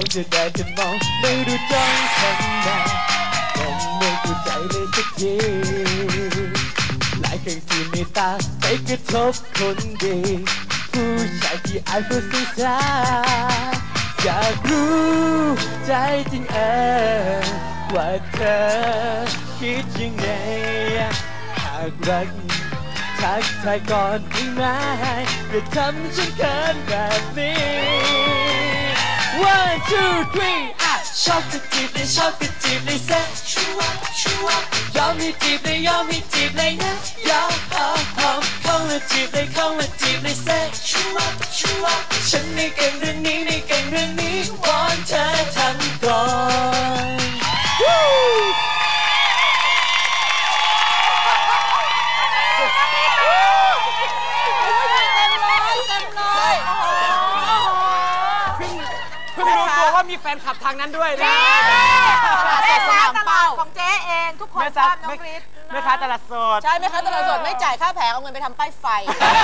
จะได้จะมองไม่รู้จ้องข้างในยังไม่เข้าใจเลยสักทีหลายครั้งที่มีตาไปกระทบคนดีผู้ชายที่อาจพูดสื่อสารอยากรู้ใจจริงว่าเธอคิดยังไงหากรักทักทายก่อนได้ไหมอย่าทำฉันเขินแบบนี้ One two three ชอบก็จีบเลยชอบก็จีบเลยเซ็ตชัวยอมให้จีบเลยยอมให้จีบเลยนะยอมเข้ามาจีบเลยเข้ามาจีบเลยเซ็ตชัวฉันไม่เก่งเรื่องนี้ไม่เก่งเรื่องนี้วอนเธอทำก่อนว่ามีแฟนคลับทางนั้นด้วยนะแม่ค้าตลาดของเจ๊เองทุกคนชอบน้องฤทธิ์แม่ค้าตลาดสดใช่แม่ค้าตลาดสดไม่จ่ายค่าแผงเอาเงินไปทำป้ายไฟ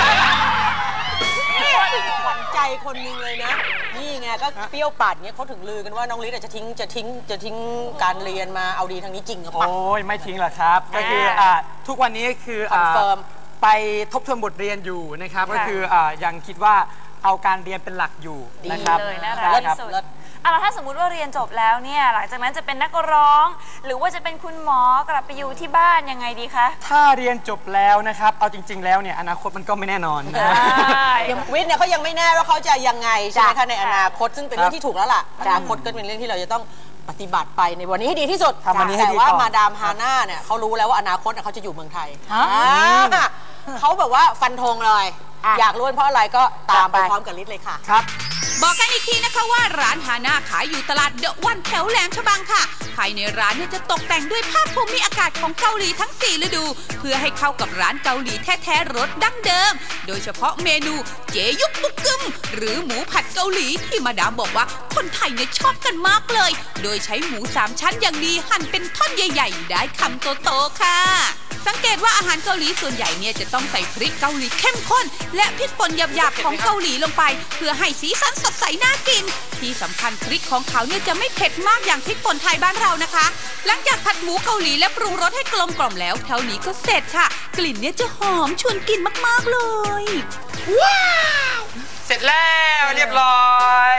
ขวัญใจคนนึงเลยนะนี่ไงก็เปรี้ยวปัดเนี้ยเขาถึงลือกันว่าน้องฤทธิ์จะทิ้งการเรียนมาเอาดีทางนี้จริงหรือเปล่าโอ้ยไม่ทิ้งหรอกครับก็คือทุกวันนี้คือคอนเฟิร์มไปทบทวนบทเรียนอยู่นะครับก็คือยังคิดว่าเอาการเรียนเป็นหลักอยู่นะครับเลยน่ารักที่สุดแล้วถ้าสมมุติว่าเรียนจบแล้วเนี่ยหลังจากนั้นจะเป็นนักร้องหรือว่าจะเป็นคุณหมอกลับไปอยู่ที่บ้านยังไงดีคะถ้าเรียนจบแล้วนะครับเอาจริงๆแล้วเนี่ยอนาคตมันก็ไม่แน่นอนวิทย์เนี่ยเขายังไม่แน่ว่าเขาจะยังไงใช่ไหมคะในอนาคตซึ่งเป็นเรื่องที่ถูกแล้วล่ะอนาคตก็เป็นเรื่องที่เราจะต้องปฏิบัติไปในวันนี้ให้ดีที่สุดแต่ว่ามาดามฮาน่าเนี่ยเขารู้แล้วว่าอนาคตเขาจะอยู่เมืองไทยเขาแบบว่าฟันธงเลยอยากรู้เพราะอะไรก็ตามไปพร้อมกับฤทธิ์เลยค่ะครับบอกกันอีกทีนะคะว่าร้านฮาน่าขายอยู่ตลาดเดอะวันแถวแหลมฉบังค่ะภายในร้านเนี่ยจะตกแต่งด้วยภาพภูมิอากาศของเกาหลีทั้ง4ฤดูเพื่อให้เข้ากับร้านเกาหลีแท้ๆรสดั้งเดิมโดยเฉพาะเมนูเจยุกบุกกึมหรือหมูผัดเกาหลีที่มาดามบอกว่าคนไทยเนี่ยชอบกันมากเลยโดยใช้หมู3ชั้นอย่างดีหั่นเป็นท่อนใหญ่ๆได้คำโตๆค่ะสังเกตว่าอาหารเกาหลีส่วนใหญ่เนี่ยจะต้องใส่พริกเกาหลีเข้มข้นและพริกป่นหยาบๆของเกาหลีลงไปเพื่อให้สีสันสดใสน่ากินที่สำคัญพริกของเขาเนี่ยจะไม่เผ็ดมากอย่างพริกป่นไทยบ้านเรานะคะหลังจากผัดหมูเกาหลีและปรุงรสให้กลมกล่อมแล้วเท่านี้ก็เสร็จค่ะกลิ่นเนี่ยจะหอมชวนกินมากๆเลยว้าวเสร็จแล้วเรียบร้อย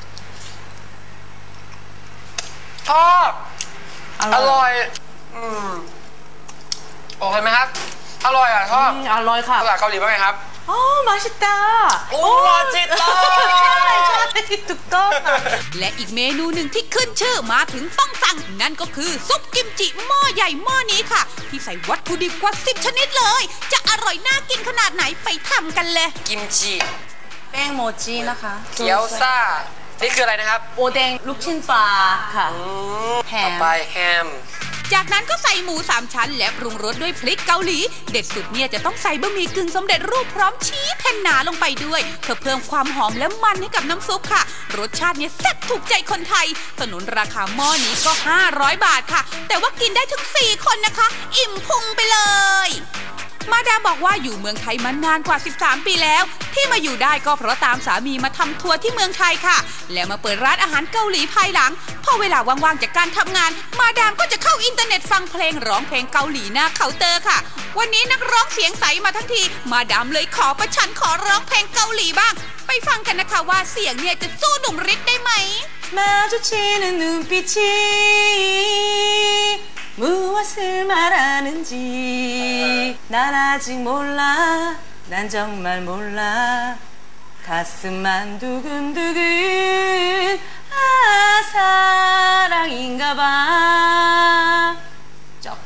ชอบอร่อยโอเคไหมครับอร่อยอ่ะชอบอร่อยค่ะภาษาเกาหลีว่าไงครับโอ้มาชิตาโอ้มาชิตาใช่ถูกต้องและอีกเมนูหนึ่งที่ขึ้นชื่อมาถึงต้องสั่งนั่นก็คือซุปกิมจิหม้อใหญ่หม้อนี้ค่ะที่ใส่วัตถุดิบกว่า10ชนิดเลยจะอร่อยน่ากินขนาดไหนไปทำกันเลยกิมจิแป้งโมจินะคะเกี๊ยวซ่านี่คืออะไรนะครับโอเด้งลูกชิ้นปลาค่ะแฮมไปแฮมจากนั้นก็ใส่หมู3ชั้นและปรุงรสด้วยพริกเกาหลีเด็ดสุดเนี่ยจะต้องใส่บะหมี่กึ่งสำเร็จรูปพร้อมชีสแผ่นหนาลงไปด้วยเพื่อเพิ่มความหอมและมันให้กับน้ำซุปค่ะรสชาติเนี่ยแซ่บถูกใจคนไทยสนุนราคาหม้อนี้ก็500 บาทค่ะแต่ว่ากินได้ถึง4คนนะคะอิ่มพุงไปเลยมาดามบอกว่าอยู่เมืองไทยมานานกว่า13ปีแล้วที่มาอยู่ได้ก็เพราะตามสามีมาทำทัวร์ที่เมืองไทยค่ะและมาเปิดร้านอาหารเกาหลีภายหลังพอเวลาว่างๆจากการทำงานมาดามก็จะเข้าอินเทอร์เน็ตฟังเพลงร้องเพลงเกาหลีหน้าเคาน์เตอร์ค่ะวันนี้นักร้องเสียงใสมาทั้งทีมาดามเลยขอประชันขอร้องเพลงเกาหลีบ้างไปฟังกันนะคะว่าเสียงเนี่ยจะสู้หนุ่มฤทธิ์ได้ไหม 마주치는눈빛이จบ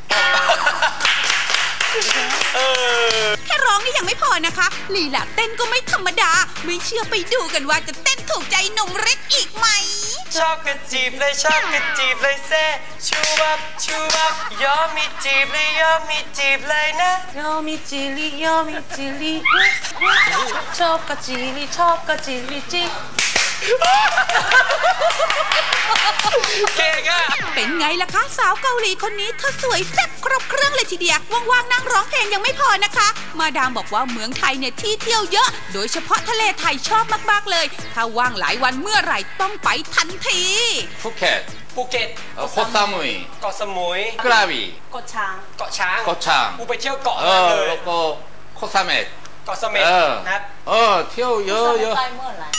แค่ร้องนี่ยังไม่พอนะคะลีลาเต้นก็ไม่ธรรมดาไม่เชื่อไปดูกันว่าจะเต้นถูกใจหนุ่มฤทธิ์อีกไหมชอบกระจีบเลยชอบกระจีบเลยเซ่ชูบับยอมมีจีบเลยยอมมีจีบเลยนะยอมมีจีลียอมมีจีลีชอบกระจีลีชอบกระจีลีจีเป็นไงไงล่ะคะสาวเกาหลีคนนี้เธอสวยแซ่บครบเครื่องเลยทีเดียวว่างๆนั่งร้องเพลงยังไม่พอนะคะมาดามบอกว่าเมืองไทยเนี่ยที่เที่ยวเยอะโดยเฉพาะทะเลไทยชอบมากๆเลยถ้าว่างหลายวันเมื่อไหร่ต้องไปทันทีภูเก็ตโคซามุยเกาะสมุยกระบี่เกาะช้างเกาะช้างไปเที่ยวเกาะเลยแล้วก็โคซาเมตเกาะเสม็ดนะครับเที่ยวเยอะไปเมื่อไหร่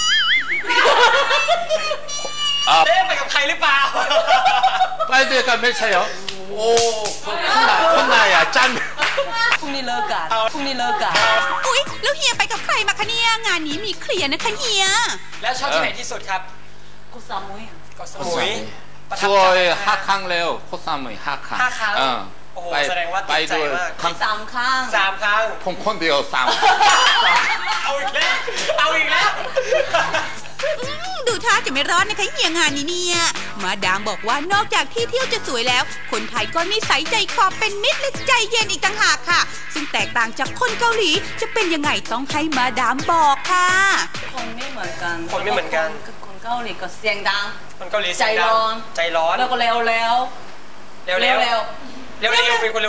ไปกับใครหรือเปล่าไปด้วยกันไม่ใช่เหรอโอ้คนไหนอ่ะจันพรุ่งนี้เลิกกันอุ๊ยแล้วเฮียไปกับใครมาคะเนี่ยงานนี้มีเคลียร์นะคะเฮียแล้วชอบที่ไหนที่สุดครับเกาะสมุยสวย5 ครั้งแล้วโคซามุย5 ครั้งโอ้โหแสดงว่าติดใจมาก 3 ครั้งผมคนเดียว3 เอาอีกแล้วดูท่าจะไม่ร้อนนะคะเฮียงานนี้เนี่ยมาดามบอกว่านอกจากที่เที่ยวจะสวยแล้วคนไทยก็นิสัยใจคอเป็นมิตรและใจเย็นอีกต่างหากค่ะซึ่งแตกต่างจากคนเกาหลีจะเป็นยังไงต้องให้มาดามบอกค่ะคนไม่เหมือนกันคนเกาหลีก็เสียงดังคนเกาหลีใจร้อนแล้วก็เร็วเป็นคนเร็ว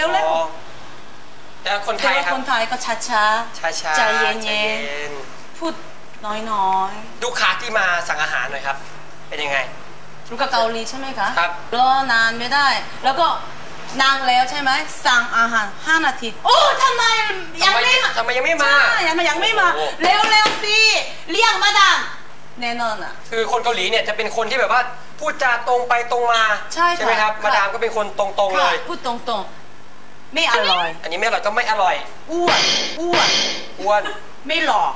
แล้วคนไทยครับคนไทยก็ช้าใจเย็นพูดน้อยดูคาที่มาสั่งอาหารหน่อยครับเป็นยังไงรู้กับเกาหลีใช่ไหมคะครับรอนานไม่ได้แล้วก็นางแล้วใช่ไหมสั่งอาหาร5 นาทีโอ้ทำไมยังไม่มายังไม่มาเร็วสิเรียกมาดามแน่นอนอ่ะคือคนเกาหลีเนี่ยจะเป็นคนที่แบบว่าพูดจาตรงไปตรงมาใช่ไหมครับมาดามก็เป็นคนตรงเลยพูดตรงๆไม่อร่อยอันนี้ไม่อร่อยก็ไม่อร่อยอ้วนไม่หล่อ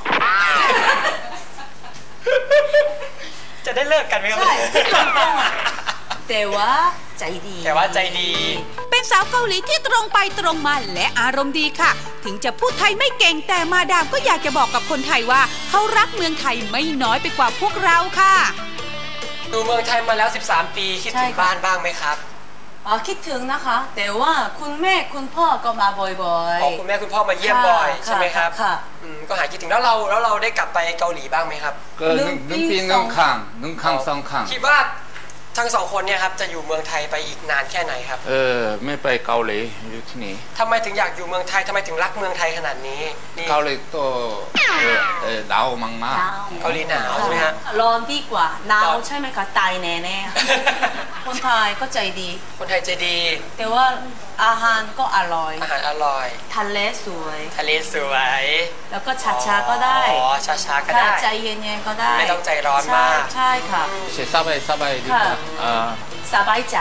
จะได้เลิกกันไหมครับแต่ว่าใจดีเป็นสาวเกาหลีที่ตรงไปตรงมาและอารมณ์ดีค่ะถึงจะพูดไทยไม่เก่งแต่มาดามก็อยากจะบอกกับคนไทยว่าเขารักเมืองไทยไม่น้อยไปกว่าพวกเราค่ะดูเมืองไทยมาแล้ว13 ปีคิดถึงบ้านบ้างไหมครับคิดถึงนะคะแต่ว่าคุณแม่คุณพ่อก็มาบ่อยๆคุณแม่คุณพ่อมาเยี่ยมบ่อยใช่ไหมครับก็หายคิดถึงแล้วเราได้กลับไปเกาหลีบ้างไหมครับ 1 ปี1 ครั้ง2 ครั้งคิดว่าทั้ง2 คนเนี่ยครับจะอยู่เมืองไทยไปอีกนานแค่ไหนครับไม่ไปเกาหลีอยู่ที่นี่ทำไมถึงอยากอยู่เมืองไทยทำไมถึงรักเมืองไทยขนาดนี้เกาหลีตัวหนาวมากเกาหลีหนาวใช่ไหมฮะร้อนดีกว่าหนาวใช่ไหมคะตายแน่ๆคนไทยก็ใจดีคนไทยใจดีแต่ว่าอาหารก็อร่อยทะเลสวยแล้วก็ช้าก็ได้ช้าก็ได้ใจเย็นๆก็ได้ไม่ต้องใจร้อนมากใช่ค่ะสบายดีกว่าสบายใจ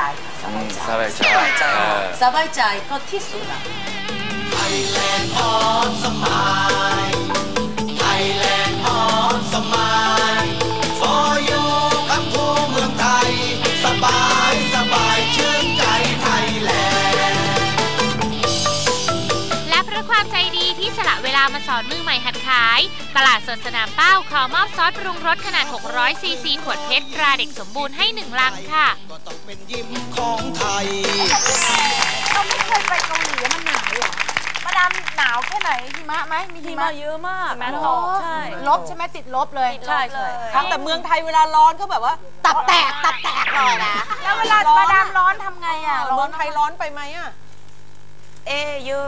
ก็ที่สุด Thailand on smile Thailand on smile for you คำพูเมืองไทยสบายชื่นใจไทยแลนด์และเพราะความใจดีที่สละเวลามาสอนมือใหม่หัดขายตลาดสดสนามเป้าขอมอบซอสปรุงรสขนาด600 ซีซีขวดเพชรตราเด็กสมบูรณ์ให้1 ลังค่ะต้องเป็นยิ้มของไทยเราไม่เคยไปเกาหลีมันหนาวหรอมาดามหนาวแค่ไหนหิมะไหมมีหิมะเยอะมากหิมะตกใช่ลบใช่ไหมติดลบเลยใช่แต่เมืองไทยเวลาร้อนเขาแบบว่าตับแตกเลยนะแล้วเวลามาดามร้อนทำไงอ่ะเมืองไทยร้อนไปไหมอ่ะเยอะ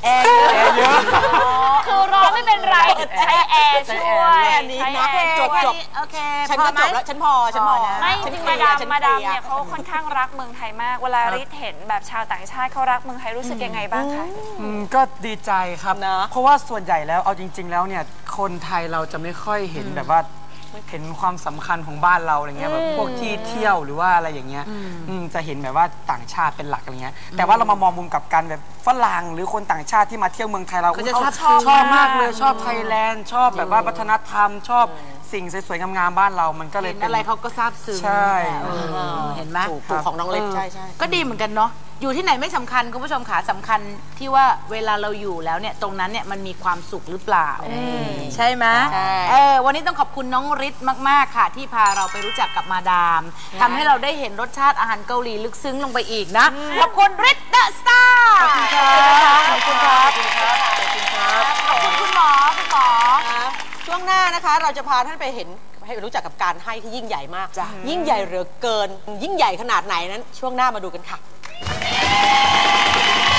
คือร้อนไม่เป็นไรใช้แอร์ช่วยนี้นะจบโอเคฉันก็จบแล้วฉันพอนะไม่จริงมาดามเนี่ยเขาค่อนข้างรักเมืองไทยมากเวลาริทเห็นแบบชาวต่างชาติเขารักเมืองไทยรู้สึกยังไงบ้างคะก็ดีใจครับเพราะว่าส่วนใหญ่แล้วเอาจริงๆแล้วเนี่ยคนไทยเราจะไม่ค่อยเห็นแบบว่าเห็นความสำคัญของบ้านเราอะไรเงี้ยแบบพวกที่เที่ยวหรือว่าอะไรอย่างเงี้ยจะเห็นแบบว่าต่างชาติเป็นหลักอะไรเงี้ยแต่ว่าเรามามองมุมกับการแบบฝรั่งหรือคนต่างชาติที่มาเที่ยวเมืองไทยเราชอบมากเลยชอบไทยแลนด์ชอบแบบว่าวัฒนธรรมชอบสิ่งสวยๆงามๆบ้านเรามันก็เลยเป็นอะไรเขาก็ซาบซึ้งใช่เห็นไหมถูกของน้องเล็กใช่ก็ดีเหมือนกันเนาะอยู่ที่ไหนไม่สำคัญคุณผู้ชมขาสำคัญที่ว่าเวลาเราอยู่แล้วเนี่ยตรงนั้นเนี่ยมันมีความสุขหรือเปล่าใช่ไหมวันนี้ต้องขอบคุณน้องฤทธิ์มากๆค่ะที่พาเราไปรู้จักกับมาดามทำให้เราได้เห็นรสชาติอาหารเกาหลีลึกซึ้งลงไปอีกนะขอบคุณฤทธิ์เดอะสตาร์ขอบคุณครับขอบคุณคุณหมอช่วงหน้านะคะเราจะพาท่านไปเห็นให้รู้จักกับการให้ที่ยิ่งใหญ่มากยิ่งใหญ่เหลือเกินยิ่งใหญ่ขนาดไหนนั้นช่วงหน้ามาดูกันค่ะ